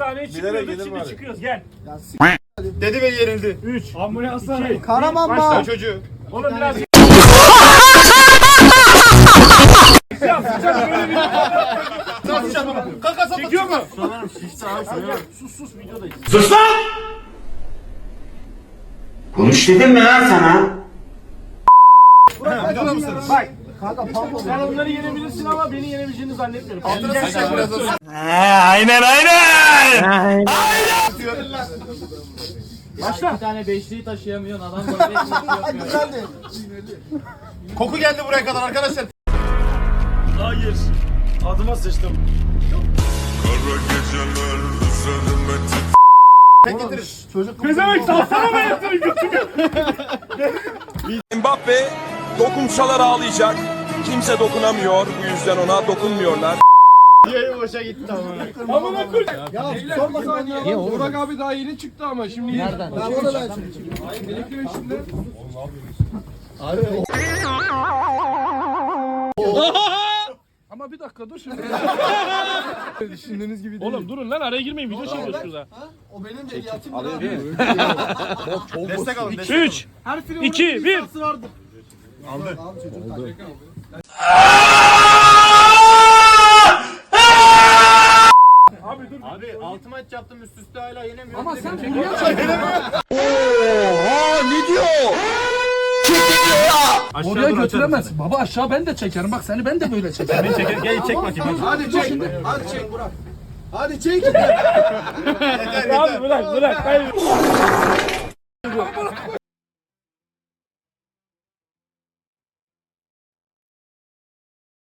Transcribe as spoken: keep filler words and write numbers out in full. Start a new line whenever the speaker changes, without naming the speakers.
hastaneye çıkıyorduk, şimdi çıkıyoruz. Gel.
Dedi ve yenildi.
üç. Ambulanslar.
Karamanma.
Çocuğu.
Oğlum biraz... Ya sıcak böyle bir...
Nasıl çarpma? Kaka sapla.
Çekiyor mu?
Sus sus videodayız.
Sus lan! Konuş dedim mi lan sana?
Videoda mısınız?
Bak.
Kanka pardon.
Sen onları yenebilirsin ama beni yenebileceğini zannetmiyorum.
Altına
Gel,
sıçacak
gel,
biraz
gel.
olsun.
Aynen aynen!
Başla.
Bir tane beşliği taşıyamıyorsun adam böyle beşlik yapıyor.
Güzeldi.
Koku geldi buraya kadar arkadaşlar.
Hayır. Adıma sıçtım.
Kara geceler üzerime
Tek getirin.
Çocuk
Pezevenk salsana ben yatırım götümü.
Mbappe dokunsalar ağlayacak. Kimse dokunamıyor. Bu yüzden ona dokunmuyorlar.
Yayı boşa gitti ama.
Amına koy.
Ya sorma sen ya. Niye oğlum?
Burak abi daha yeni çıktı ama şimdi
Nereden?
Ben bunu ben şimdi.
elektrik içinde. Ama bir dakika dur şimdi. Düşündüğünüz gibi değil.
Oğlum durun lan araya girmeyin video çekiyoruz şurada.
O benim de yatım abi.
Destek alın. Destek
üç, iki, bir.
Vardı. Aldı. Abi çocuk aldı.
Abi dur.
Abi altı maç yaptım üst üste hala yenemiyorum.
Ama sen dünya çekiyorsun. Oraya götüremezsin. Baba aşağı ben de çekerim. Bak seni ben de böyle çekerim.
Beni çekin. Gel çek bakayım.
Hadi çek. Hadi çek Burak. Hadi çek.
Yeter
Abi
yeter.
bırak bırak. Hayır.